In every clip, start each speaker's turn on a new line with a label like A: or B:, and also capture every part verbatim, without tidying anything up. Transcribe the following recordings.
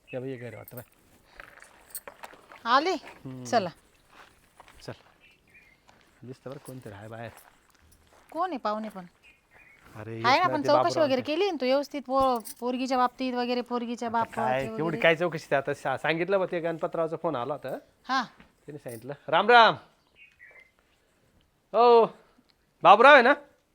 A: या बाई घरी वाटतं बाय
B: आले चला
A: चल दिसतं बरं कोणतरी आहे बाहेर.
B: कोण आहे पाहुणे पण
A: अरे
B: आहे
A: येत
B: ना
A: नाही
B: आपण
A: ते
B: चौकशी
A: बाबूराव
B: वगैरे
A: ते.
B: केली ना तू व्यवस्थित पो- पोरगीच्या बाबतीत वगैरे पोरगीच्या
A: काय
B: बाप
A: एवढी काय चौकशी ते आता सा- सांगितलं बा ते गणपतरावचा फोन आला होता
B: हा
A: त्याने सांगितलं राम राम. हो बाबूराव आहे ना.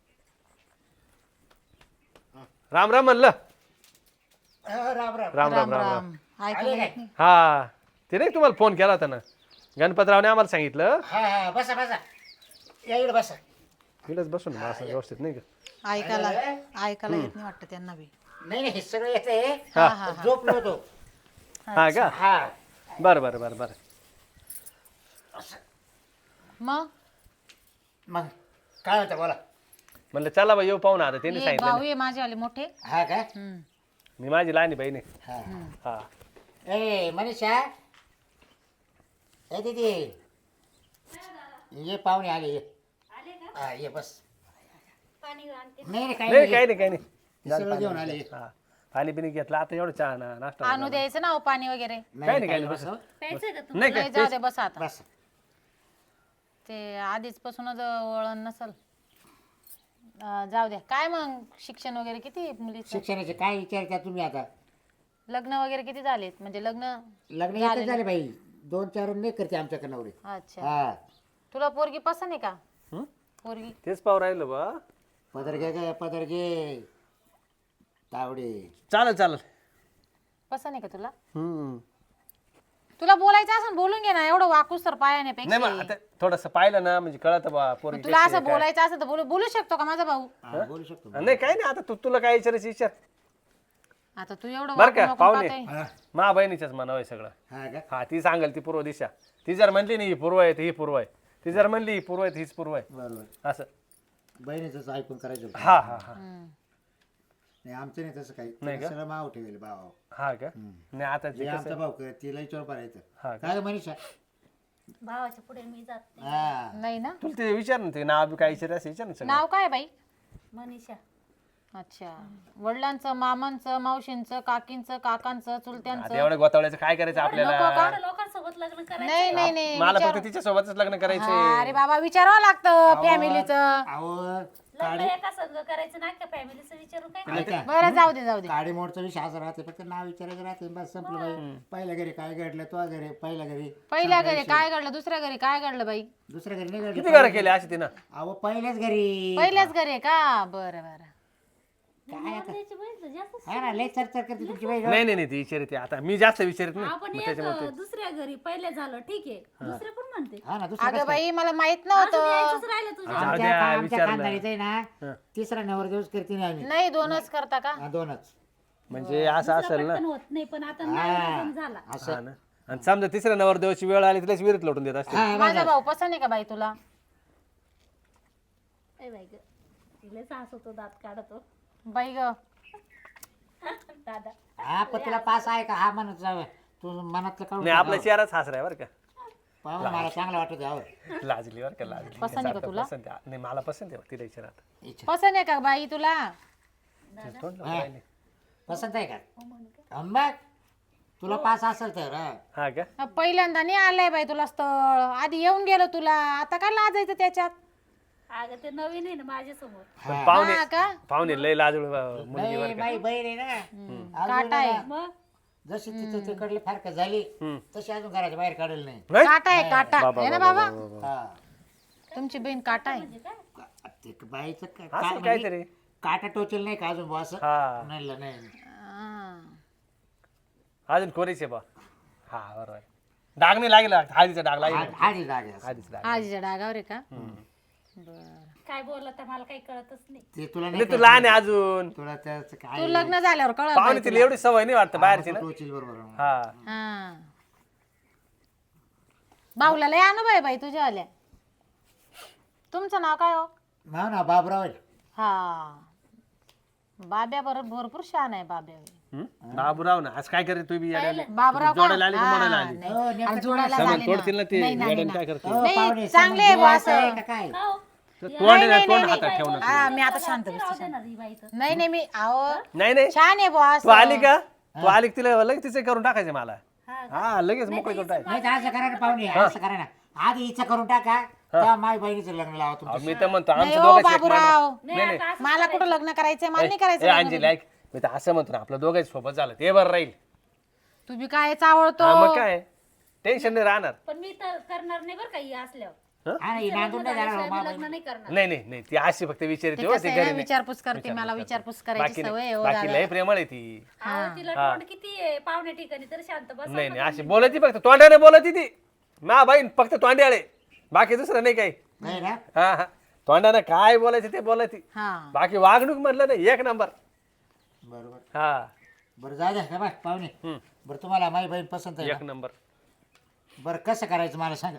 A: राम राम म्हणलं.
C: राम राम
A: राम राम
B: राम
A: राम राम.
B: राम ऐकायला येत नाही.
A: हा ते नाही तुम्हाला फोन केला होता ना गणपतरावने आम्हाला सांगितलं.
C: हा हा बसा बसा या इकडे बसा.
A: तिलाच बसून ना असं व्यवस्थित नाही का.
B: ऐकायला ऐकायला येत नाही वाटतं त्यांना बी
C: नाही नाही हे सगळं येते
B: हा हा हा.
C: झोपलो होतो.
A: हा का
C: हा
A: बरं बरं बरं बरं.
B: मग
C: मग काय होतं बोला.
A: म्हणलं चला बा येऊ पाहून आता त्यांनी
B: ये
A: सांगितलं.
B: भाऊ ये माझे मोठे
C: हा का
B: हम्म.
A: मी माझी लहानी बहीण आहे.
C: हा
A: हा
C: ए मनीषा ए दीदी ये पाहुणे आले ये हा ये बस. नाही नाही काही
A: नाही
C: नाही
A: काही नाही काही नाही.
C: हे सगळं घेऊन आले ये.
A: हा पाणी पिणी घेतलं आता एवढं चहा ना नाश्ता
B: आणू द्यायचं ना हो पाणी वगैरे
A: काही नाही काही
C: काही
A: नाही
C: बस
A: बस. नाही
B: नाही जाऊ दे बस आता
C: बस
B: ते आधीच पासूनच वळण नसल अं, जाऊ द्या काय मग शिक्षण वगैरे किती मुलीचं
C: शिक्षणाचे काय विचारता तुम्ही आता.
B: लग्न वगैरे किती झालेत म्हणजे लग्न
C: लग्न एकच झाले बाई दोन चार नाही करते आमच्याकडे नवरे.
B: अच्छा
C: हा
B: तुला पोरगी पसंत आहे का
A: हं?
B: पोरगी
A: तेच पाहू राहिलं बा.
C: पदर घे ग पदर घे तावडे.
A: चालेल चालेल.
B: पसंत आहे का तुला
A: हम्म.
B: तुला बोलायचं असं बोलून घे ना एवढं वाकूस तर पायाने
A: नाही
B: पेक्षा
A: मग आता थोडस पाहिलं ना म्हणजे कळत बा पोरगी
B: तुला
A: कशी
B: असं
A: आहे, काय.
B: बोलायचं असं तर बोलू बोलू शकतो का माझा भाऊ
C: हा, बोलू शकतो.
A: नाही काही नाही आता तू तुला काय विचारायचं विचार.
B: आता तू एवढं
A: बरं का
B: वाकून वाकून
A: पाहुणे
B: पाहतोय.
C: हा
A: मा बहिणीच्याच मनाव आहे सगळं.
C: हा का
A: हा ती सांगेल ती पूर्व दिशा. ती जर म्हणली नाही ही पूर्व आहे तर ही पूर्व आहे. ती जर म्हणली ही पूर्व आहे तर हीच पूर्व आहे
C: बरोबर
A: असं.
C: बहिणीच ऐकून करायचं होतं.
A: हा हा हा
B: हम्म.
C: नाही आमचं नाही तसं काही
A: नाही
C: तिला
A: का?
C: सगळं माव ठेवेल भाव.
A: हा का नाही आता
C: जे
A: ते कसं
C: आमचा भाऊ कर तिला विचार पाहायचं
A: हा का?
C: काय ग मनीषा.
D: भावाच्या पुढे मी जात नाही.
C: हा
B: नाही ना
A: तुला ते विचार ना ते नाव बी काय विचारायचं विचार ना सगळं.
B: नाव काय आहे बाई
D: मनीषा
B: अच्छा वडिलांचं मामांचं मावशींचं काकींचं काकांचं
A: आता
B: चुलत्यांचं
A: एवढ्या गोतावळ्याचं काय करायचं आपल्याला.
D: एवढ्या लोकांसोबत लग्न करायचं.
B: नाही नाही नाही
A: मला
B: विचार-
A: फक्त तिच्या सोबतच लग्न करायचे.
B: हा, अरे बाबा विचारावं लागतं फॅमिलीचं
C: अहो
D: लग्न एका संघ करायचं नाही का फॅमिलीचं विचारून काय
C: ऐका
B: बरं जाऊ दे जाऊ दे
C: काडी मोडचा विषय असा राहते फक्त नाव विचारायचं राहते बस संपलं बाई. पहिल्या घरी काय घडलं तो घरी पहिल्या घरी
B: पहिल्या घरी काय घडलं दुसऱ्या घरी काय घडलं बाई
C: दुसऱ्या घरी नाही
A: किती
C: घडलं.
A: घरं केले अशी तिनं.
C: अहो पहिल्याच घरी
B: पहिल्याच घरी आहे का बरं बरं
D: त्याची बहीण जास्त
C: हा ना लय चरचर करते तुमची बाई.
A: नाही नाही नाही ती विचारते आता मी जास्त विचारत नाही
D: आपण
A: मग
D: एक
A: त्याच्यामुळे ते-
D: दुसऱ्या घरी पहिले झालं ठीक आहे दुसरे पण म्हणते
C: हा ना दुसऱ्या
B: अगं बाई मला माहित नव्हतं
D: यायचंच राहिलं तुझं
A: जाऊ
C: आमच्या
A: द्या,
C: आमच्या
A: विचारलं.
C: खानदारीचं आहे ना तिसरा नवर दिवस करते नाही आम्ही.
B: नाही दोनच करता का
C: हा, दोनच
A: म्हणजे असं असेल ना
D: पण होत नाही पण आता नाही झाला
C: असं
A: हा ना. आणि समजा तिसऱ्या नवरदेवाची वेळ आली तिलाच विहिरीत लोटून देत असते.
C: हा
B: माझा भाऊ पसंत आहे का बाई तुला
D: ए बाई ग तिला सास होतो दात काढतो
B: बाई ग
D: दादा
C: हा पण तुला पास आहे का हा म्हणत जावं तू मनातलं काढून
A: नाही आपला चेहराच हसरा आहे बरं का.
C: पाहून मला चांगलं वाटत यावं.
A: लाजली बरं का लाजली.
B: पसंत आहे का
A: सारखं
B: तुला?
A: पसंत आहे. नाही मला पसंत आहे तिला विचार आता.
C: इच्छा.
B: पसंत आहे का बाई तुला
A: तोंड लावून राहिली.
C: पसंत आहे का अंबा तुला पास असेल तर हा.
A: हा का
B: पहिल्यांदा नाही आलंय बाई तुला स्थळ आधी येऊन गेलो तुला आता काय लाजायचं त्याच्यात
D: अगं ते नवीन आहे ना माझ्या समोर
A: पण पाहुणे
B: हा का
A: पाहुणे लय लाजूळ मुलगी
C: नाही
A: बरं का.
C: बाई बहीण आहे ना
B: काटा आहे
D: मग
C: जशी तिथं तिकडली फारक झाली
A: हम्म.
C: तशी अजून घराच्या बाहेर काढेल नाही.
A: नाही?
B: काटा आहे काटा
A: बाबा,
B: आहे ना
A: बाबा,
B: बाबा
A: बाबा, बाबा.
C: हा
B: तुमची बहीण काटा आहे
C: का- ते बाईचं का-
A: असं
C: का- म्हणजे
A: काहीतरी
C: काटा टोचेल नाही का अजून बुवा असं
A: हा
C: नाही ल- नाही
B: हा.
A: अजून कोरीचे बा हा बरोबर डाग नाही लागला हळदीचा डाग लागला
C: हा- हाडी लागे असं.
A: हळदीचा डाग
B: आजीच्या डागावर आहे का बरं
D: काय बोलला तर मला काही कळतच नाही
C: ते तुला नाही
A: नाही तू लहान आहे अजून
C: तुला त्याच काय
B: तू लग्न झाल्यावर कळलं
A: पाहुणे तिला एवढी सवय नाही वाटतं बाहेरची ना.
C: टोचेल बरोबर
A: हा
B: हा भाऊला लय अनुभव आहे बाई तुझ्या आल्या तुमचं नाव काय हो
C: ना ना बाबराव आहे.
B: हा बाब्या बरोबर भरपूर शान आहे बाब्या
A: हम्म? बाबूराव ना आज काय करते तू बी येड्याला?
B: बाबराव का?
A: जोडायला आली का
B: हा,
A: मोडायला आली?
B: नाही.
C: हो, नेमकं
B: आणि जोडायला
A: समोर
B: झाले ना.
A: तोडतील ना ते
B: नाही, नाही,
A: येड्याला
B: नाही.
A: काय करते
C: हो,
B: नाही,
C: पाहुणे,
B: चांगले
C: समज
B: आहे बुवा
C: जीवाचं आहे
B: असं.
C: का काय
D: हो
A: तोंड
B: नाही,
A: तोंड
B: नाही,
A: हातात ठेवून
B: हा मी आता शांत बसते
D: राहू दे
B: शांत.
D: ना ही बाई तर
B: नाही नाही मी अहो
A: नाही नाही
B: छान आहे बुवा
A: तू आली का तू आली की तिला लगेच तिचे करून टाकायचे मला हा लगेच मोकळी करून टाकायचं.
C: नाही तर असं करा ना पाहुणे असं करा ना आधी हिचं करून टाका तेव्हा माझ्या बहिणीचं लग्न लावा
A: अहो,
C: तुमचं
A: मी तर म्हणतो
B: नाही
A: आमचं
B: हो
A: दोघांचं एक
B: बाबूराव
A: माणूस- नाही नाही
B: मला कुठं लग्न करायचंय मला नाही
A: ए,
B: करायचं
A: अंजली ऐक मी तर असं म्हणतो ना आपलं दोघांच्या सोबत झालं ते बरं राहील
B: तुम्ही काय चावळतो
A: हा, मग काय टेन्शन नाही राहणार
D: पण मी तर करणार नाही बरं काही असल्यावर
C: आणि नांदून नाही जाणार हो,
D: मी
C: मा
D: लग्न नाही करणार
A: नाही नाही नाही ती अशी फक्त विचारते
B: ते
A: हो
B: कसं
A: ती
B: आहे ना,
A: घरी नाही.
B: विचारपूस करते मला विचारपूस करायची
A: बाकी
B: सवय आहे
A: नाही
B: हो
A: बाकी
B: दादा.
A: लय प्रेमळ आहे ती
D: अहो, तिला तोंड किती आहे पाहुण्या ठिकाणी तर शांत बस
A: नाही नाही अशी बोलती फक्त तोंडाने बोलती ती मा बाई फक्त तोंड्याळे बाकी दुसरं नाही काही
C: नाही ना
A: हा हा तोंडाने काय बोलायचं ते बोलती
B: हा
A: बाकी वागणूक म्हटलं ना एक नंबर
C: बरोबर
A: हा
C: बरं जा द्या बा पाहुणे
A: हम्म,
C: बरं तुम्हाला माझी बहीण पसंत आहे
A: एक
C: ना?
A: नंबर
C: बरं कसं करायचं मला सांगा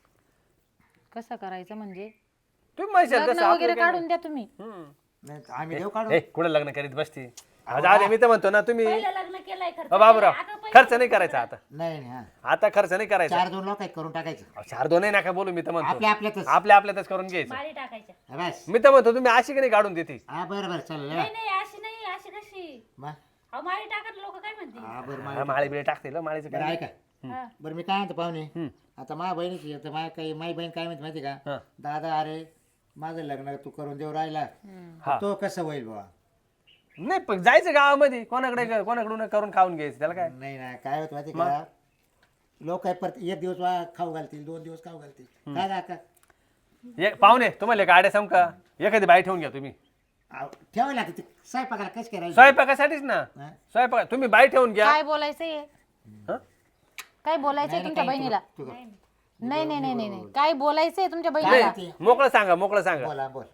B: कसं करायचं म्हणजे
A: तुम्ही माहिती
B: लग्न वगैरे काढून द्या तुम्ही
C: नाही आम्ही देऊ काढू
A: हे कुठे लग्न करीत बसती जाऊ दे मी तर म्हणतो ना तुम्ही
D: पहिलं लग्न केलंय खर्च
A: अ, बाबूराव
D: केलाय. अगं,
A: खर्च नाही करायचा आता
C: नाही नाही हा
A: आता खर्च नाही करायचा
C: चार दोन लोक आहेत करून टाकायचं
A: अहो, चार दोनही नका बोलू मी तर म्हणतो
C: आपल्या आपल्यातच
A: आपल्या आपल्यातच करून घ्यायचं
D: माळी टाकायच्या
C: हा, बस
A: मी तर म्हणतो तुम्ही अशी की नाही काढून देते
C: हा बरं बरं चालेल
D: नाही नाही अशी नाही अशी कशी
C: मग
D: अहो माळी टाकत लोक काय म्हणतील
C: हा बरं
A: हा,
C: मा-
A: माळी बिळे टाकते माळीचं
C: बरं
A: काय
C: ऐका
D: हा.
C: बरं मी काय म्हणतो पाहुणे
A: हम्म.
C: आता माझ्या बहिणीची आता माझ्या काही माझी बहीण काय म्हणते माहिती का
A: हा.
C: दादा अरे माझं लग्न तू करून देऊ राहिला
A: हा.
C: तो कसं होईल बाबा
A: नाही पण जायचं गावामध्ये कोणाकडे कोणाकडून करून खाऊन घ्यायचं त्याला काय
C: नाही ना काय होत माहिती का लोक काय परत एक दिवस वा- खाऊ घालतील दोन दिवस खाऊ घालतील काय का
A: एक पाहुणे तुम्हाला एक आडे सम का एखादी बाई ठेवून घ्या तुम्ही
C: ठेवायला लागते ते स्वयंपाकाला कसं करायचं
A: स्वयंपाकासाठीच ना
C: हा?
A: स्वयंपाक तुम्ही बाई ठेवून घ्या
B: काय बोलायचंय
A: हं?
B: काय बोलायचंय
C: नाही,
B: तुमच्या
C: नाही,
B: बहिणीला
C: तू- तू-
B: नाही नाही नाही नाही नाही. काय बोलायचंय तुमच्या
C: काय
B: बहिणीला
C: ते?
A: मोकळं सांगा मोकळं सांगा
C: बोला बोल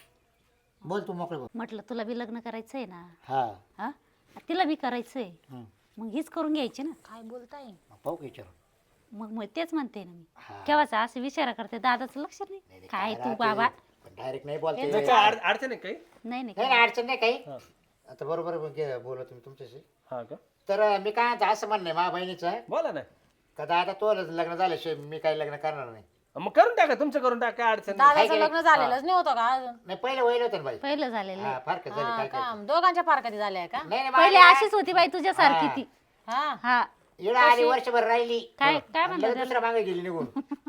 C: बोल तू मोकळे बोल
D: म्हटलं तुला बी लग्न करायचंय ना
C: हा
D: हा तिला बी करायचंय
C: हं.
D: मग हीच करून घ्यायची ना
B: काय बोलताय
C: मग पाहू की विचारून
D: मग मग तेच म्हणते ना मी
C: हा.
D: केव्हाचा असं विचार करते दादाचं लक्ष नाही काय तू बाबा
C: डायरेक्ट नाही बोलते
A: नाही, काय अड- अडचण आहे काही
D: नाही नाही
C: नाही नाही, अडचण नाही काही
A: हा.
C: आता बरोबर बोला तुम्ही तुमच्याशी
A: हा का
C: तर मी काय म्हणतो, असं म्हणणं आहे माझ्या बहिणीचं
A: बोला ना
C: का दादा तो लग्न झाल्याशिवाय मी काही लग्न करणार नाही
A: मग करून टाका तुमचं करून टाका काय अडचण नाही.
B: दादाचं लग्न झालेलंच नाही होतं का अजून
C: नाही पहिलं वैल होतं ना बाई
D: पहिलं झालेलं
C: हा
D: आहे.
C: फार झाली
B: हा
C: काय काय
B: का दोघांच्या पारकती झाल्या का
C: नाही नाही
D: पहिले
C: मला-
D: अशीच होती बाई तुझ्यासारखी ती
B: हा
D: हा
C: येडा आली वर्षभर राहिली
D: काय काय
C: आणि
D: म्हणतात
C: लगेच दुसऱ्या मागे गेली निघून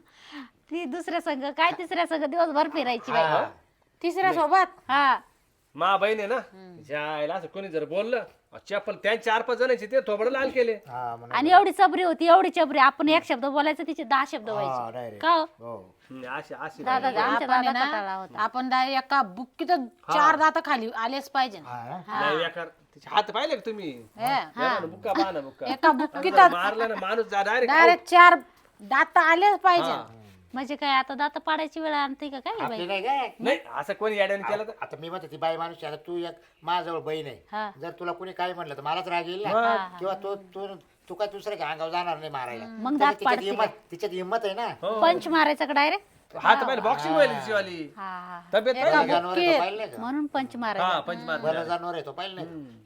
D: ती दुसऱ्या संघ काय तिसऱ्या संघ दिवसभर फिरायची बाई
C: हा.
B: तिसऱ्या सोबत
D: हा
A: मा बहीण आहे ना जायला असं कोणी जर बोललं चप्पल त्या चार पाच जणांची ते थोबड लाल केले
C: हा म्हणा.
D: आणि एवढी चबरी होती एवढी चबरी आपण एक शब्द बोलायचं तिचे दहा शब्द
C: हा,
D: व्हायचे
C: direct.
D: का हो?
C: हो
A: हम्म, अशी अशी
D: दादा आमच्या
B: आपण आहे
D: दादा कटाळा
B: ना
D: होता
B: आपण डायरेक्ट एका बुक्कीत चार दात खाली आलेच पाहिजे
C: हा ना?
A: नाही, एका- तिचे हात पाहिले का तुम्ही
B: हे,
A: या ना, बुक्का पहा ना बुक्का
B: एका बुक्कीत
A: मारला ना माणूस डायरेक्ट
B: डायरेक्ट चार दात आलेच पाहिजे
D: म्हणजे काय आता दात पाडायची वेळ आणते का काय बाई
C: आपली नाही काय
A: नाही असं कोणी याड्याने केलं तर
C: आता मी म्हणतो ती बाई माणूस आहे, आता तू एक माझ्याजवळ बहीण
D: हा.
C: आहे जर तुला कोणी काय म्हणलं तर मलाच राग येईल ना किंवा तू तू तू काय दुसऱ्या अंगावर जाणार नाही मारायला
D: मग
C: तसं
D: दात
C: तिच्यात
D: पाडते
C: हिंमत तिच्यात हिंमत आहे ना
D: पंच मारायचा का डायरेक्ट
A: हात पाहिले बॉक्सिंग व्हायला तिची वाली
D: हा हा
A: तब्येत
B: एका
A: पाहिली का?
C: जनावर आहे तो पाहिलं नाही का
D: म्हणून पंच मारायचा
A: हा पंचमार
C: बरं जनावर आहे तो पाहिलं नाही का?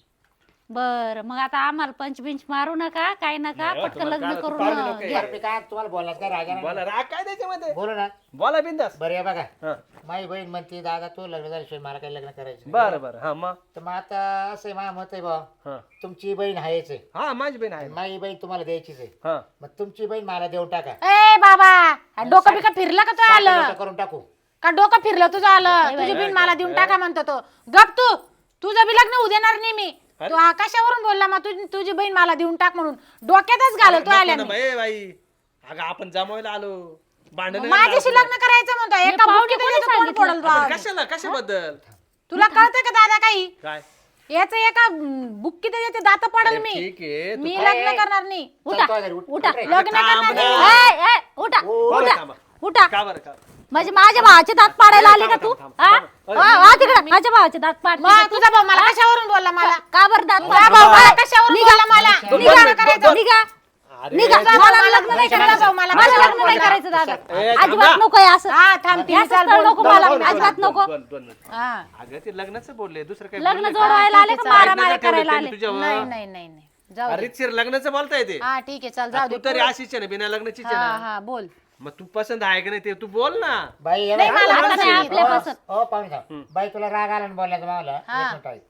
D: बर मग आता आम्हाला पंच बिंच मारू नका काय नका
A: नाही हो,
D: पटकन
A: तुम्हाला
D: लग्न
A: काय-
D: करून
A: पाहुणे लोकं आहे.
D: घ्या.
C: बरं, मी काय तुम्हाला बोलण्यात काय राग आहे ना
A: बोला राग काय त्याच्यामध्ये
C: बोलू ना
A: बोला बिंदास
C: बरं या बघा
A: हा
C: माझी बहीण म्हणते दादा तू लग्न झाल्याशिवाय मला काही लग्न करायचं नाही.
A: बरं बरं हा मग
C: तर मग आता असं आहे माझं मत आहे बा
A: हा
C: तुमची बहीण आहेच आहे
A: हा माझी बहीण आहे
C: आणि माझी बहीण तुम्हाला द्यायचीच आहे
A: हा
C: मग तुमची बहीण मला देऊन टाका
B: ए बाबा हा डोकं बिकं फिरलं का तू आलं
C: साखर करून टाकू
B: का डोकं फिरलं तुझं आलं तुझी बिन मला देऊन टाका म्हणतो तो गप तू तुझं बी लग्न होऊ देणार नाही मी तू आकाशावरून बोलला मग तुझी तुझी बहीण मला देऊन टाक म्हणून डोक्यातच घालतो
A: नको ना
B: आल्याने
A: बाई बाई अगं आपण जमावायला आलो भांडण
B: माझ्याशी लग्न करायचं म्हणतो एका
D: पाहुणे
B: बुक्कीत
D: कोणी
B: याचं तोंड
D: सांगितलं?
B: फोडल बा.
A: कशाला कशाबद्दल
B: तुला कळतंय का दादा काही
A: काय
B: याच एका बुक्कीत याचे दात पडल मी
A: ठीक आहे तू
B: मी लग्न करणार नाही
D: उठा
C: चल, तो घरी, उठ,
D: उठा
C: उठ रे.
B: लग्न
A: थांब
B: करणार
A: ना.
B: नाही
D: ए, ए, उठा
A: बरं,
D: उठा
A: थांबा.
D: उठा
A: का बरं का
D: म्हणजे माझ्या भावाचे दात पाडायला आले का
A: थांबा,
D: तू
A: थांबा,
D: हा?
A: थांबा.
D: हा, हा, तिकडे माझ्या भावाचे दात पाड
B: मग तुझा भाऊ मला कशावरून बोलला मला
D: का बरं दात
B: तुझा
D: पाड
B: भाऊ मला कशावरून बोलला मला
A: दोन
B: निघा
A: मिनिट,
B: करायचं
A: दोन-
D: निघा
A: अरे
D: निघा
B: तुझा भाऊ मला लग्न नाही करायचं भाऊ मला
D: माझं
B: कशावरून
D: लग्न नाही
B: बोलला?
D: करायचं दादा
A: ए, थांबा.
D: अजिबात नको आहे असं
B: हा थांब ती
D: असं
B: चाल
D: स्थळ
B: बोल.
D: नको मला अजिबात नको
A: दोन दोन मिनिट.
B: हा
A: अगं ते लग्नाचं बोलले दुसरं काय
D: लग्न
A: बोलले का?
D: जोडवायला आले का
B: ठीक आहे,
D: मारा
A: लग्नाचं
D: मारा
A: ठेवलं
D: करायला
A: त्यांनी
D: आले
A: तुझ्यावर.
B: नाही नाही नाही नाही जाऊ दे.
A: अरे शिर लग्नाचं बोलता येते
B: हा ठीक आहे चल जाऊ
A: तू
B: दे
A: तरी अशीच आहे ना बिना लग्नाचीच आहे
B: हा
A: ना
B: हा बोल
A: मग तू पसंत आहे का नाही ते तू बोल ना
C: बाई ये
B: नाही,
C: बाई.
B: मला
C: हो,
B: आता नाही
C: हो,
D: आपल्यापासून.
C: हो पाहुणे साहेब. बाई तुला राग आला ना बोलायचं मला एक मिनिट आहे.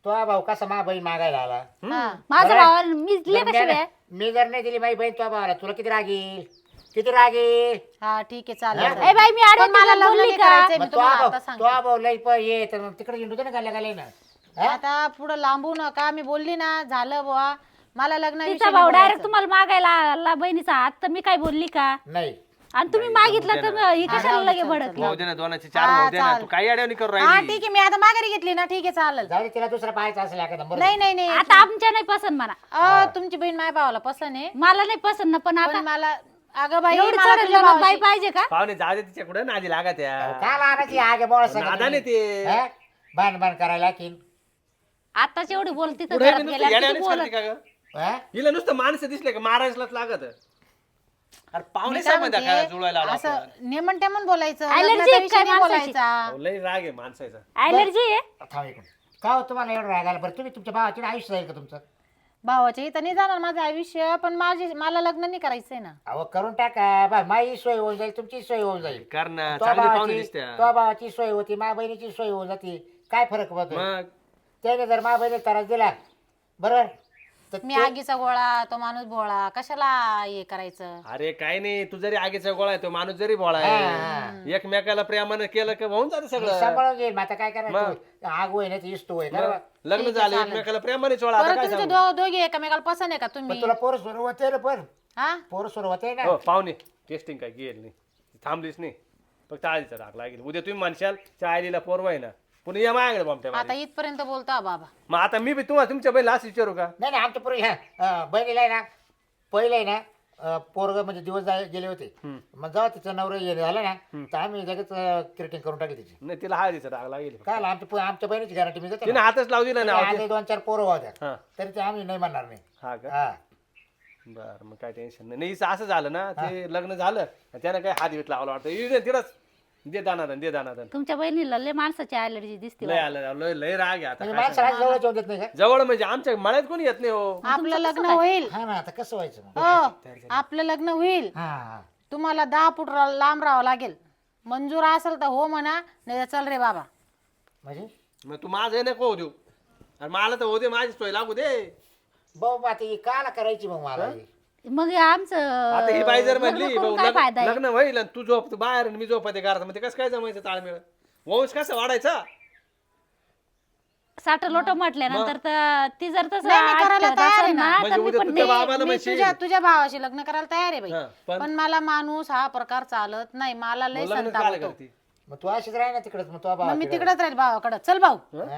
C: तो भाऊ कसा मा बहीण मागायला आला
B: हा.
E: माझा
C: बरं.
E: भावा मी दिले
C: जर
E: कशी
C: मी-
E: बे?
C: मी जर नाही दिली माझी बहीण तो भावाला तुला किती राग येईल किती राग येईल
B: हा ठीक आहे चालेल
C: हा?
B: चालेल.
E: ए बाई मी
B: पण
E: आडवं
B: मला
E: मला
B: लग्न
E: बोलली
B: नाही
E: का
B: करायचंय, मी
C: मग तो
B: तुम्हाला
C: भाऊ
B: आता
C: तो
B: सांगते.
C: भाऊ लई प- ये तर मग तिकडे हिंडू दे ना गाल्या गाल्या ना हा?
B: आता पुढे लांबू नका मी बोलली ना झालं बुवा मला लग्न
E: तिचा भाऊ डायरेक्ट तुम्हाला मागायला आला बहिणीचा हात तर मी काय बोलली का
C: नाही
E: आणि तुम्ही मागितलं तर ही कशाला लगे भडकली
A: भाऊ दे ना दोनाचे चार भाऊ दे ना तू काही अडवणी करू
B: हा
A: राहिली
B: ठीक आहे मी आता माघारी घेतली ना ठीक आहे चालेल
C: जाऊ दे तिला दुसरा पाहायचा असेल एखादा बरं
B: नाही नाही नाही
E: आता आमच्या नाही पसंत म्हणा
B: अ, तुमची बहीण माझ्या भावाला पसंत आहे
E: मला नाही पसंत ना पण आता
B: पण मला अगं बाई
E: एवढी
B: मला
E: चढ
B: तुझ्या
E: बाई
B: भावाशी-
E: पाहिजे का
A: पाहुणे जाऊ दे तिच्या कुठे नादी लागा त्या
C: काय लागायची आगे बोळ
A: नादाने ते
C: बाण बाण करायला की
E: आताच एवढी बोलती तर
A: पुढे
E: घरात
A: बी नुसतं
E: गेल्यावर किती
A: येड्यावानीच
E: बोलत.
A: करते का ग
C: हा?
A: हिला नुसतं माणसं दिसले का महाराजलाच लागत अरे
B: मी
A: पाहुणे
B: काय
A: सांग काय
B: म्हणते,
A: जुळवायला आला
B: असं
A: आपण.
B: नेमन टेमन बोलायचं
E: Allergy
B: लग्नाचा
E: आहे
B: विषय
E: काय
B: नाही
E: माणसाची?
B: बोलायचा
A: अहो, लई राग आहे माणसाचा
E: ऍलर्जी आहे
C: थांब एक मिनिट. का हो तुम्हाला एवढं राग आला बरं तुम्ही तुमच्या भावाचे आयुष्य जाईल का तुमचं
B: भावाच्या इथं नाही जाणार माझं आयुष्य पण माझी मला लग्न नाही करायचंय ना
C: अहो करून टाका बा माझी सोय होऊन जाईल तुमची सोय होऊन जाईल
A: कर ना
C: तो
A: चांगली पाहुणे
C: भावाची
A: दिसत्या
C: तो भावाची सोय होती मा बहिणीची सोय होऊन जाते काय फरक पडतो
A: मग
C: त्याने जर मा बहिणी त्रास दिला बरोबर तर
B: मी
C: ते-
B: आगीचा गोळा तो माणूस भोळा कशाला हे करायचं
A: अरे काय नाही तू जरी आगीचा गोळा आहे तो माणूस जरी भोळा
C: हा,
A: आहे एकमेकाला प्रेमानं केलं की होऊन जातं
C: मी
A: सगळं
C: सांभाळून घेईल मग आता काय
A: मग.
C: करायचं आग होय ना ती इष्ट होय
A: मग
C: बरोबर
A: लग्न झालं एकमेकाला प्रेमाने चोळा आता
B: परत
A: काय
B: तुमचे
A: सांगू
B: दो- दोघे एकमेकाला पसंत आहे का
C: पण
B: तुम्ही
C: तुला पोरं सुरू होते ना पण
B: हा
C: पोरं सुरू होते ना
A: हो पाहुणे टेस्टिंग काय गेल नाही थांबलीच नाही फक्त आधीचा राग लागेल उद्या तुम्ही म्हणशाल चायलीला पोरवा आहे ना पुन्हा या माझ्याकडे बॉम्बट्या
B: आता इथपर्यंत बोलता बाबा
A: मग आता मी बी तुम्हाला तुमच्या बहिणीला असं विचारू का
C: नाही नाही आमच्या पूर्वी ह्या बहिणीला आहे ना पहिलं आहे ना पोरग म्हणजे दिवस जाय- गेले होते मग जेव्हा तिचं नवरं हे झालं ना तर आम्ही लगेच क्रिटिंग करून टाकली तिची
A: नाही तिला हळदीचा राग लागेल
C: काय आला, आमच्या पो- आमच्या बहिणीची गॅरंटी मी देतो
A: तिने
C: ना.
A: हातच लावू दिला ना
C: आता दोन चार पोरं होत्या
A: हा
C: तरी ते आम्ही नाही म्हणणार नाही
A: हा का
C: हा
A: बर मग काय टेन्शन नाही नाही हिचं असं झालं ना ते लग्न झालं आणि त्यानं काय हात बीत लावला वाटतं इकडे तिथंच दे दानादन दे दानादन
E: तुमच्या बहिणीला लय माणसाची ऍलर्जी दिसते
A: लय आलं लय लय राग आहे आता
C: म्हणजे
A: काय
C: माणसाला जवळ जेवण देत नाही का
A: सांगू. जवळ म्हणजे आमच्या मळ्यात कोणी येत नाही हो
B: आपलं लग्न होईल
C: हा ना आता कसं व्हायचं मग
B: हो आपलं लग्न होईल
C: हा हा
B: तुम्हाला दहा फूट रा- लांब राहावं लागेल मंजूर असेल तर हो म्हणा नाही तर चल रे बाबा
C: म्हणजे
A: मग तू माझं नको होऊ देऊ आणि मला तर होऊ दे माझी सोय लागू दे
C: भाऊ मग आता ही काला करायची मग मला ही?
E: मग हे आमचं
A: आता ही बाई जर
E: लग्न
A: म्हणली
E: करून
A: भाऊ,
E: काय
A: लग्न
E: फायदा आहे
A: लग्न होईल आणि तू झोप बाहेर आणि मी झोपते घरात म्हणजे कसं काय जमायचं ताळमेळ वंश कसा वाढायचा
E: साठ लोट म्हटल्यानंतर तर ती जर तसं
B: नाही, मी करायला
E: आठ
B: तयार आहे
E: असेल
B: ना.
E: ना,
A: म्हणजे
E: तर मी
A: उद्या
E: पण
A: तुझ्या
E: नाही.
A: बाबाला
B: मी
A: म्हणशील
B: तुझ्या तुझ्या भावाशी लग्न करायला तयार आहे बाई
A: हा, पण
B: पण मला माणूस हा प्रकार चालत नाही मला लय
A: मग लग्न
B: संताप
A: काय
B: होतो
A: करते
C: मग तू अशीच राही ना तिकडेच मग तो
B: मग
C: भाव
B: मी तिकडेच राहील भावाकडे चल भाऊ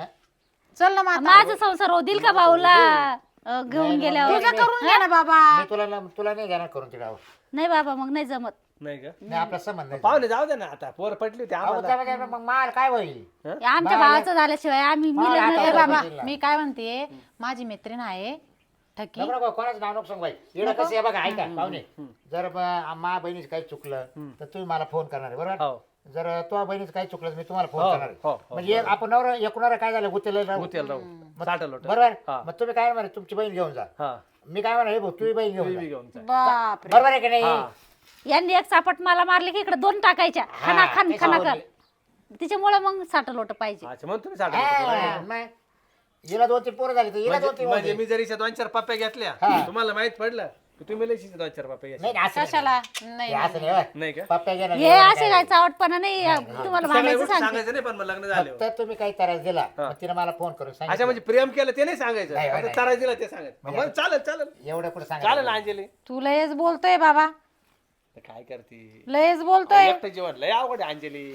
B: चल ना माता
E: माझा संसार होतील का भाऊला अं, घेऊन गेल्यावर
B: तुझं करून घे ना बाबा
C: मी तुला ना- तुला नाही जाणार करून तिकडे अहो.
E: नाही बाबा मग नाही जमत
A: नाही का
C: नाही आपला संबंध नाही
A: पाहुणे जाऊ दे ना आता पोर पटली होती
C: अहो,
A: आम्हाला
C: त्यामध्ये मग माल काय होईल
E: आमच्या भावाचं झाल्याशिवाय आम्ही मी
C: मला
E: लग्न
C: आता-
B: ए
E: करू.
B: बाबा मी काय म्हणते माझी मैत्रीण आहे ठकी
C: नको नको कोणाचं नाव नको सांग बाई एवढं कसं आहे बघा ऐका पाहुणे जर ब- मा बहिणीचं काही चुकलं तर तुम्ही मला फोन करणार आहे बरोबर
A: हो
C: जर तुझ्या बहिणीचं काही चुकलं तर मी तुम्हाला फोन
A: हो,
C: करणार
A: हो,
C: आहे
A: हो,
C: म्हणजे आपण नवर एकूणावर काय झालं गुतेल
A: गुतेल राहू साठल होत
C: बरोबर
A: हा.
C: मग तुम्ही काय म्हणा तुमची बहीण घेऊन जा
A: हा
C: मी काय म्हणा हे भाऊ तुझी बहीण घेऊन
A: टीव्ही
C: जा
A: घेऊन जा.
B: बाप
C: बरोबर आहे की नाही
A: हा
E: यांनी एक सापट मला मारले की इकडे दोन टाकायच्या
C: हा,
E: खना खान
C: ते
E: खना
C: सांगून
E: कर तिच्यामुळे मग साठ लोट पाहिजे
A: अच्छा म्हणून तुम्ही साठल
C: हा, मग हिला दोन तीन पोरं झाली तर हिला दोन तीन
A: म्हणजे
C: होते.
A: मी जरी दोन चार पप्प्या घेतल्या
C: हा.
A: तुम्हाला माहित पडलं की तुम्ही लय दोन चार पप्प्या घेतल्या
C: नाही नाही, असं नाही.
B: कशाला नाही
C: हे असं नाही होय.
A: नाही का
C: पप्प्या घेणं
E: हे असे काय चावटपणा नाही तुम्हाला
A: सगळ्या
E: भांडायचं
A: गोष्टी
E: सांगते
A: सांगायचं नाही पण मग लग्न झाले
C: फक्त तुम्ही काही त्रास दिला मग तिने मला फोन करून
A: अच्छा
C: सांगितलं
A: म्हणजे प्रेम केलं ते नाही सांगायचं
C: नाही,
A: आता
C: नाही.
A: तरास दिला ते सांगायचं मग चालेल चालेल
C: एवढं कुठं
A: चालेल
C: सांगा
A: अंजली
B: तू लयच बोलतोय बाबा
A: तर काय करते
B: लयच बोलतोय
A: एकटं जीवन लय अवघड आहे अंजली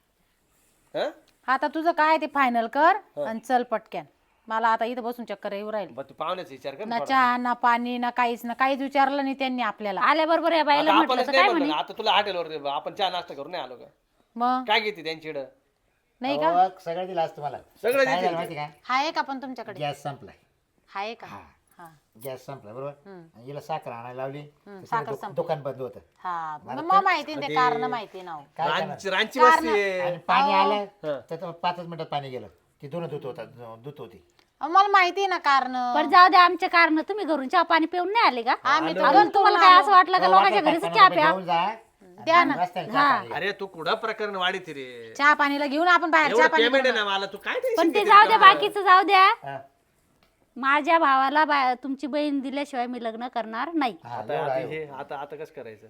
A: हं?
B: आता तुझं काय ते फायनल कर आणि चल पटक्यान मला आता इथं बसून चक्कर येऊ राहील
A: मग तू पाहुण्याचा विचार कर
B: ना
A: ना
B: चहा ना पाणी ना काहीच ना काहीच विचारलं नाही त्यांनी आपल्याला
E: आल्याबरोबर या बाईला
A: आता
E: म्हटलं
A: आपणच
E: तर
A: नाही
E: काय
A: म्हणलं
E: म्हणे
A: आता तुला हॉटेलवर आपण चहा नाश्ता करून नाही आलो का
B: मग
A: काय घेते त्यांच्याकडं
B: नाही का
C: सगळं दिलं आज तुम्हाला
A: सगळं
C: काय
A: देतील
C: झालं माहिती का
B: हाय का पण तुमच्याकडे
C: गॅस संपलाय
B: हाय का हा
C: गॅस संपला बरोबर आणि हिला साखर आणायला लावली तर
B: साखर
C: तिने दु-
B: संपली.
C: दुकान बंद होतं
B: हा मग मग माहिती ते कारण माहिती ना हो.
C: काय करणार?
A: रांची रांची वस्ती आहे
C: आणि पाणी आलं
A: हं.
C: तर तो पाचच मिनिटात पाणी गेलं ती दोन दूध होता दूध होती
B: अहो, मला माहिती ना कारण
E: पण जाऊ द्या आमच्या कारण तुम्ही घरून चहा पाणी पिऊन नाही आले का
B: आम्ही तर
E: अजून तुम्हाला काय असं वाटलं का
C: तो
E: लोकांच्या
C: वाटलं
E: घरीच
C: काय
E: चहा
C: कोणाकडे
E: प्या
C: घेऊन जा
B: द्या ना
C: रस्त्याने चहा पाणी.
A: अरे तू कुठं प्रकरण वाढीत रे
B: चहा पाणीला घेऊन आपण बाहेर चहा
A: एवढं
B: पाणी
A: पेमेंट आहे ना मला तू काय tension
E: पण ते
A: घेते
E: जाऊ द्या
A: का?
E: बाकीचं जाऊ द्या
C: हा.
E: माझ्या भावाला बा- तुमची बहीण दिल्याशिवाय मी लग्न करणार नाही
C: हा,
A: आता
C: एवढं
A: आता
C: आहे.
A: हे आता आता कसं करायचं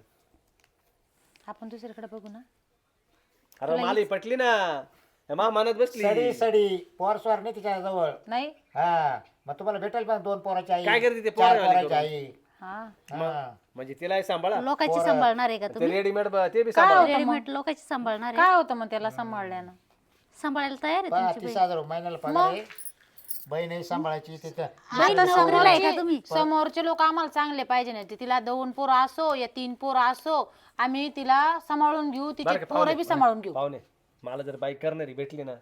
B: आपण दुसरीकडे बघू ना
A: अरे मला ही पटली ना मा मनात बसली
C: सडी सडी पोर स्वार नाही तिच्या जवळ
B: नाही
C: हा मग तुम्हाला भेटेल पण दोन पोराची आई
A: काय करते ते
C: चार
A: पोरं वाली
C: पोराची आई
B: हा
C: हा.
A: म्हणजे तिलाही सांभाळा
E: लोकांची सांभाळणार आहे का
A: ते
E: तुम्ही
A: रेडीमेड ते बी
B: काय
A: सांभाळा
B: होतं मग?
E: रेडीमेड लोकांची सांभाळणार आहे
B: काय होतं मग त्याला सांभाळल्यानं
E: सांभाळायला तयार आहे
C: पहा,
E: तुमची
C: तीस हजार रुपये महिन्याला पगार आहे बहीण सांभाळायची तिथं
E: बहीण
B: आता
E: नोकरीला आहे का
B: समोरचे
E: तुम्ही?
B: समोरचे लोक आम्हाला चांगले पाहिजे नाही ते तिला दोन पोरं असो या तीन पोरं असो आम्ही तिला सांभाळून घेऊ तिचे
A: बरं का,
B: पोरं बी सांभाळून घेऊ
A: पाहुणे मला जर बाईक करणारी भेटली ना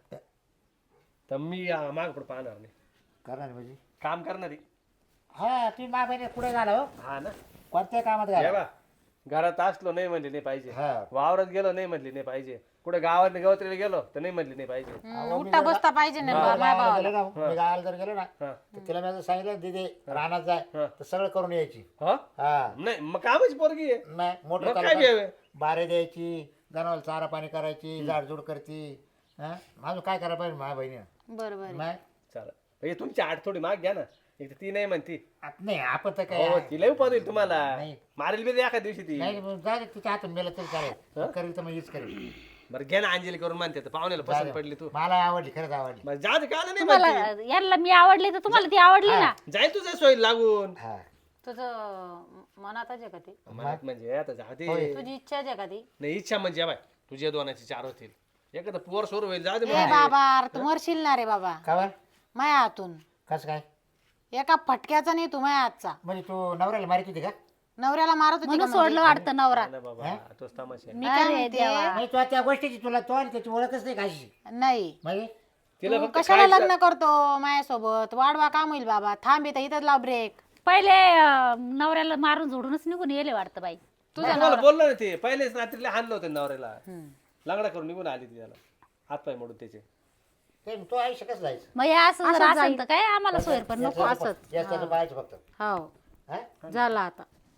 A: तर मी माग पुढे पाहणार नाही
C: करणार म्हणजे
A: काम करणारी
C: हा तुम्ही मा बहिणी पुढे झाला हो
A: हा ना
C: कोणत्या कामात
A: हे
C: घाला
A: बा घरात असलो नाही म्हणली नाही पाहिजे
C: हा.
A: वावरात गेलो नाही म्हणली नाही पाहिजे कुठे गावात गवत्रीला गेलो तर नाही म्हणली नाही पाहिजे
B: हम्म, उठता बसता पाहिजे ना बा- माझ्या
C: गावाला
B: भावाला
C: गेलो ना मी गावाला जर गेलो ना
A: हा.
C: तर तिला मी असं सांगितलं दिदी रानात जाय
A: हा.
C: तर सगळं करून यायची
A: हा
C: हा
A: नाही मग कामाची पोरगी आहे
C: नाही मोटर
A: मग काय
C: चालू
A: घ्यावे
C: बारे द्यायची जनावर चारा पाणी करायची झाडझूड करती हा माझं काय करायला पाहिजे माझ्या बहिणीनं
B: बरोबर आहे.
C: नाही
A: चला हे तुमची आठ थोडी माग घ्या ना एक तर ती नाही म्हणती
C: आत- नाही आपण तर
A: हो
C: काय
A: तिला उपाद होईल तुम्हाला
C: नाही.
A: मारेल बी एका दिवशी ती
C: नाही मग जाऊ दे, तिच्या हातून मेलं तरी चालेल करेल तर मग हीच करेल
A: बरं घ्या ना अंजली करून म्हणते तर पाहुण्याला
C: जाऊ
A: पसंत
C: दे.
A: पडली तू
C: मला आवडली खरंच आवडली
A: मग जा दे, का नाही
E: तुम्हाला
A: म्हणते
E: यांना मी आवडली तर तुम्हाला ती आवडली ना
A: जाईल तुझ्या सोयी लागून
C: हा
B: तुझं मनातच आहे का ती
A: मनात म्हणजे आता जा दे
C: होय.
B: तुझी इच्छा आहे का ती
A: नाही इच्छा म्हणजे बाय तुझ्या दोनाची चार होतील एखादं पोर सोर होईल जा दे
B: ए बाबा अरे तू मरशील ना रे बाबा
C: का बरं
B: माया हातून
C: कसं काय
B: एका फटक्याचा नाही तू माया हातचा
C: म्हणजे तू नवऱ्याला मारित होती का
B: नवऱ्याला मारत होती का
E: म्हणून
B: म्हणजे?
E: सोडलं वाटतं नवरा
A: ना बाबा तोच तमाशा आहे.
B: मी काय
E: अरे
B: म्हणते,
E: देवा.
C: नाही तू त्या गोष्टीची तुला तो आणि त्याची ओळखच नाही काशी
B: नाही
C: म्हणजे
A: तिला
B: तू
A: फक्त
B: कशाला
A: खायचं.
B: लग्न करतो मायासोबत वाढवा काम होईल बाबा थांब इथं इथंच लाव ब्रेक
E: पहिले अं, नवऱ्याला मारून झोडूनच निघून येले वाटतं बाई
A: तुम्हाला बोललो ना ते पहिलेच रात्रीला हाणलं होतं नवऱ्याला लंगडा करून निघून आली ती त्याला हात पाय मोडून त्याचे
C: ते तो आयुष्य कसं जायचं
E: मग हे असं जर असेल तर काय आम्हाला सोयर पण नको
C: याचं- याचं पाहायचं फक्त
B: हो
C: हा?
B: झाला आता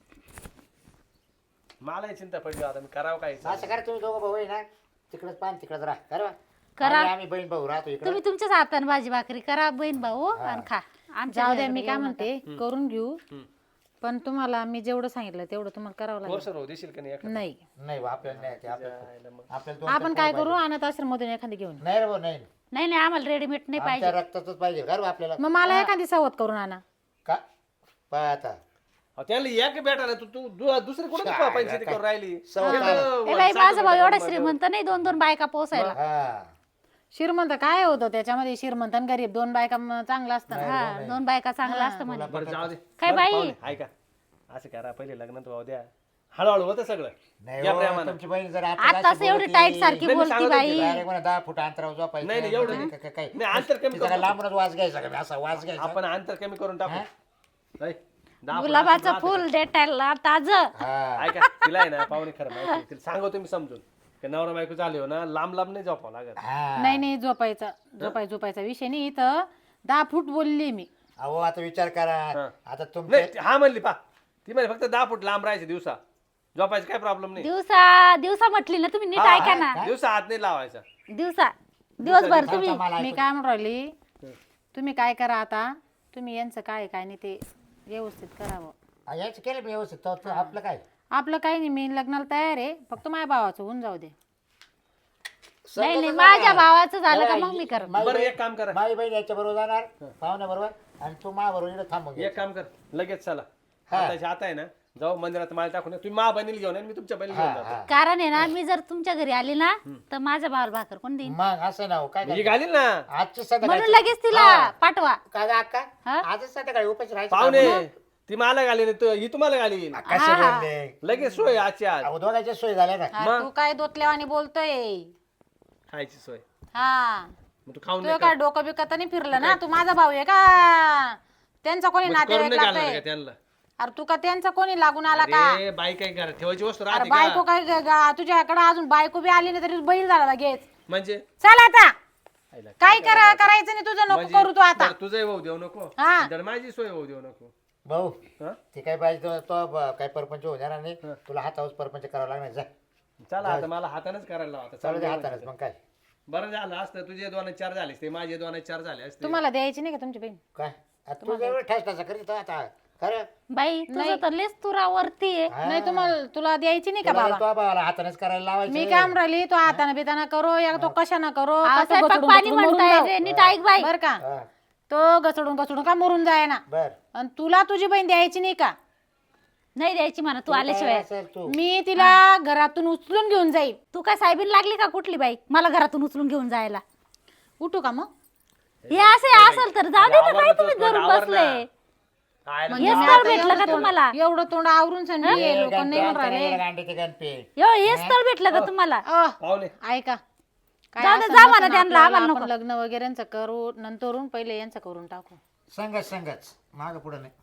A: मला चिंता पडली आता मी करावं काय
C: असं करा तुम्ही दोघं भाऊ आहे ना तिकडेच पान तिकडेच राहा करा
E: करा.
C: आम्ही- आम्ही बहीण भाऊ राहतो इकडे
E: तुम्ही तुमच्याच हाताने भाजी भाकरी करा बहीण भाऊ आणि खा आमच्या
B: जाऊ द्या
E: घरी
B: मी काय
E: येऊ
B: म्हणते करून घेऊ पण तुम्हाला मी जेवढं सांगितलं तेवढं तुम्हाला करावं लागेल
A: सर होऊ देशील का नाही एखादं?
B: नाही
C: नाही बा, आपल्याला नाही ते आपल्याला
A: जायला मग.
C: आपल्याला दोन
B: आपण काय करू अनाथ आश्रममधून एखादी घेऊन
C: नाही रे भाऊ नाही
E: नाही नाही आम्हाला रेडीमेड नाही पाहिजे
C: आमच्या रक्तातच पाहिजे का रे बा आपल्याला
B: मग मला एखादी सवत करून आणा
C: का पहा आता
A: अहो, त्याला एक भेटा ना तू तू दु- दुसरी कुठे
C: काय
A: पंचायती करून राहिली
C: सवत
A: एखादं
E: ए
A: वर
E: बाई
A: साठ
E: माझा भाऊ
A: रुपये
E: एवढा
A: करून
E: श्रीमंत नाही दोन दोन बायका पोसायला
C: हा
B: श्रीमंत काय होतं त्याच्यामध्ये श्रीमंत आणि गरीब दोन बायका म- चांगलं असतं ना.
E: हा दोन बायका चांगला असतं म्हणे
A: बरं जाऊ दे
E: काय
A: बरं,
E: बाई?
A: पाहुणे, ऐका असं करा पहिले लग्न तर भाऊ द्या हळूहळू होतं सगळं
C: नाही
A: या
C: हो,
A: प्रेमानं.
C: तुमची बहीण जर
E: आता असं एवढी टाईट सारखी
A: नाही, मी
E: बोलती
A: सांगत
E: बाई
A: होती,
C: डायरेक्ट म्हणा दहा फूट अंतरावर झोपायचं
A: नाही, नाही, एवढं नाही.
C: काय- काय- काय-
A: नाही, अंतर कमी
C: तिचा काय
A: करू.
C: लांबूनच वास घ्यायचा का असा वास घ्यायचा
A: आपण अंतर कमी करून टाकू ऐ, दहा फुट
E: गुलाबाचं
A: असं
E: फुल डेटायला ताज
C: हा
A: ऐका तिला आहे ना पाहुणे खरं माहिती आहे. तिला सांगतो मी समजून की नवरा बायको झाले हो ना लांब लांब नाही झोपावं लागत
C: हा
B: नाही नाही झोपायचा झोपाय झोपायचा विषय नाही इथं दहा फूट बोलली मी
C: अहो आता विचार करा
A: हा.
C: आता तुमचे
A: नाही ती- हा म्हणली पा ती म्हणजे फक्त दहा फूट लांब राहायचे दिवसा झोपायचं काय प्रॉब्लेम नाही
E: दिवसा दिवसा म्हटली ना तुम्ही नीट
A: हा,
E: ऐका ना
A: दिवसा हात नाही लावायचा
E: दिवसा दिवसभर तुम्ही
C: मला
B: मी काय म्हणून राहिली तुम्ही काय करा आता तुम्ही यांचं काय काय नाही ते व्यवस्थित करावं
C: हा, याचं केलं मी व्यवस्थित तो- तो आपलं काय
B: आपलं काही नाही मी लग्नाला तयार आहे फक्त माझ्या भावाचं होऊन जाऊ दे
E: नाही नाही माझ्या भावाचं झालं का मग मी करत
C: माझी
A: बरं
C: बहीण-
A: एक काम करा
C: माझी बहीण याच्या बरोबर जाणार पाहुण्या बरोबर आणि तू मा बरोबर इकडे थांबून घे.
A: एक काम कर लगेच चला
C: हा.
A: आताच्या आता आहे ना जाऊ मंदिरात माळ टाकून ये. तुम्ही मा बनील घेऊन या, मी तुमच्या बनील घेऊन
C: हा,
A: जातो
C: हा.
E: कारण आहे ना मी जर तुमच्या घरी आली ना तर माझ्या भावाला भाकर कोण देईन
C: मग असं ना हो, काय
A: मी
C: करायचं?
A: घालील ना
C: आजची संध्याकाळी
E: म्हणून लगेच तिला पाठवा
C: काय गं अक्का
E: हा?
C: आजच संध्याकाळी उपाशी राहायचं
A: पाहुणे
C: का?
A: ती मला घालील तू- ही तुम्हाला घालील
C: कशी बोलले
A: लगेच सोय आजची आज
C: अहो दोघांच्या सोय झाल्या ना
B: हा, तू काय दोतल्यावानी बोलतोय
A: खायची सोय
B: हा
A: मग तू खाऊन
B: तुझं काय डोकं बिकं तर नाही फिरलं ना तू माझा भाऊ आहे का त्यांचा कोणी
A: म्हणजे करून
B: नातेवाईक
A: नाही घालणार
B: लागतोय
A: का त्यांना
B: अरे तू का त्यांचा कोणी लागून आला का
A: अरे बाई काय घरात ठेवायची वस्तू
B: अरे
A: राहते
B: बायको
A: का
B: काय ग- ग- तुझ्याकडे अजून बायको बी आली नाही तरी बैल झाला लगेच
A: म्हणजे
B: चल आता
A: आईला
B: काय करा करायचं नाही तुझं नको
A: म्हणजे
B: करू तू आता
A: बरं, तुझंही होऊ देऊ नको
B: हा.
A: तर माझी सोय होऊ देऊ नको
C: भाऊ
A: हा?
C: ते काय पाहिजे तो- तो ब- काय परपंच होणार नाही तुला हातावर परपंच करावा लागणार जा
A: चला आता मला हातानेच करायला लावा आता.
C: चालू दे
A: चालू
C: हातानेच मग काय
A: बरं झालं असतं तुझे दोन चार झाले असते माझे दोन चार झाले असते.
B: तुम्हाला द्यायची नाही का तुमची बहीण?
C: काय आता तू जेवढं ठसठासा करीत आता खरं
E: बाई तुझं तर लेस तुरावरती आहे.
B: नाही तुम्हाला तुला द्यायची नाही का
C: तुला
B: बाबा?
C: तो बाबाला हातानेच करायला लावायचं.
B: मी काम राहिली तो हाताने बिताना करो या तो कशाना करो
E: हा,
B: कसं
E: स्वयंपाक
B: गचडून
E: पाणी
B: गचडून मरून
E: म्हणताय
B: जाऊ.
E: रे, नीट ऐक बाई.
B: बर का
C: हा,
B: तो गचडून गचडून का मरून जाय ना.
C: बर
B: आणि तुला तुझी बहीण द्यायची नाही का?
E: नाही द्यायची म्हणा तू
C: काय
E: आल्याशिवाय.
C: असेल तू
B: मी तिला घरातून उचलून घेऊन जाईल.
E: तू काय साहेबीन लागली का कुठली बाई मला घरातून उचलून घेऊन जायला?
B: उठू का मग?
E: हे असे असेल तर जाऊ दे ना, काय तुम्ही धरून बसले?
A: काय
B: म्हणजे
E: हेच
B: मी
E: तर
B: आता
E: भेटलं का
B: एवढं
E: तुम्हाला?
B: तोंड- एवढं तोंड आवरून सांगते लोक नाही म्हणून राहिले.
C: गांडीचे गणपे
E: यो हेच तर भेटलं का तुम्हाला?
B: अ,
A: पाहुणे
B: ऐका काय
E: जाऊ दे,
B: असं
E: जा
B: नसेल
E: म्हणा त्यांना,
B: आपल्याला,
E: आम्हाला
B: आपण
E: नको.
B: लग्न वगैरे यांचं करू नंतरून पहिले यांचं करून टाकू.
C: संगच संगच माग पुढे नाही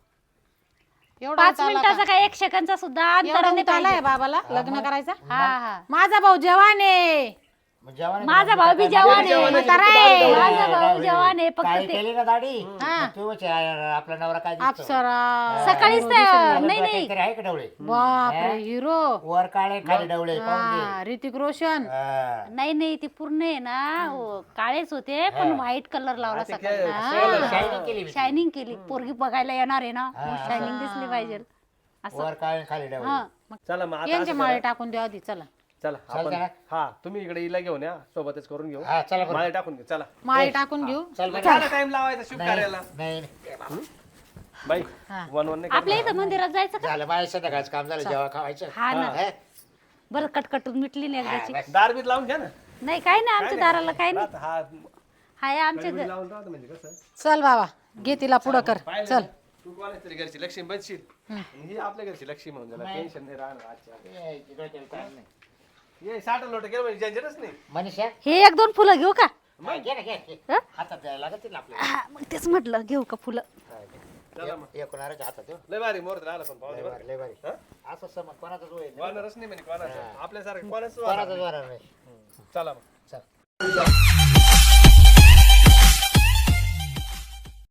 B: एवढा
E: पाच
B: उत आला
E: मिनिटाचा काय एक सेकंदचा सुद्धा
B: का?
E: अंतर
B: एवढा
E: नाही
B: उत आलाय
E: पाहिजे.
B: बाबाला लग्न करायचा?
E: हा हा
B: माझा भाऊ जवान आहे.
C: मग जवान आहे
E: माझा
C: का?
E: भाऊ बी जवान आहे.
B: म्हातारा आहे.
E: माझा भाऊ जवान आहे, फक्त
C: काय
E: ते-
C: केली ना दाढी
B: हा.
C: तू वचे आपला नवरा काय दिसतो?
B: अप्सरा
E: सकाळीच ते-
C: नवरा
E: नाही नाही
C: काहीतरी आहे का डवळे
B: बापरे हिरो.
C: वर काळे खाली डवळे पाहून घे.
B: हा, ऋतिक रोशन.
C: हा.
E: नाही नाही ते पूर्ण आहे ना हो, काळेच होते पण व्हाईट कलर लावला सकाळी.
C: शायनिंग केली मी.
E: शायनिंग केली. पोरगी बघायला येणार आहे ना शायनिंग दिसली पाहिजे असं.
C: वर काळे खाली डवळे
E: हा
A: चला मग आता
B: यांचे
A: असं
B: माळे
A: करा.
B: टाकून द्या आधी. चला
A: चला आपण
C: चला.
A: हा तुम्ही इकडे हिला घेऊन या सोबतच करून घेऊ
C: हा चला बरं.
A: माळे टाकून घेऊ चला.
B: माळे टाकून घेऊ.
C: चल बरं.
A: झाला टाइम लावायचा शुभ
C: नाही
A: कार्याला.
C: नाही नाही.
A: बाई
B: हा.
A: वन वन नाही
E: आपल्या इथं मंदिरात जायचं का?
C: झालं बाय संध्याकाळचं काम झालं जेव्हा खावायचं
E: हा ना
C: हा?
E: बरं कटकटून मिटली नाही एकदाची.
C: बस.
A: दार बीत लावून घ्या ना.
E: नाही काय नाही आमच्या दाराला काय नाही.
A: राहत हा
E: हाय आमच्या
A: कडबडी
E: घ-
A: लावून राहतं म्हणजे कसं
B: चल बाबा घे तिला पुढं कर.
A: पाहिलं
B: चल
A: ना? तू कोणाच तरी घरची लक्ष्मी बनशील आणि ही आपल्या घरची लक्ष्मी म्हणून झाला टेन्शन नाही राहणार आजच्या.
C: ए, तिकडे त्याला ताण नाही.
A: ये साठ लोट केलं म्हणजे झंझटच नाही.
C: मनीषा
E: हे एक दोन फुलं घेऊ का?
C: घे ना घे घे.
E: हं?
C: हातात द्यायला लागतील ना आपल्याला
E: हा, मग तेच म्हटलं घेऊ का फुलं?
A: चला मग
C: एकोणाऱ्याच्या हातात देऊ.
A: लय भारी मोर राहिला पण पाहुणे
C: लय
A: बरं.
C: भारी लय भारी
A: हा?
C: असं समज कोणाचाच होईल नाही.
A: वानरच नाही म्हणजे कोणाचं आपल्यासारखं कोणाच
C: कोणाचाच होणार नाही
A: चला मग
C: चल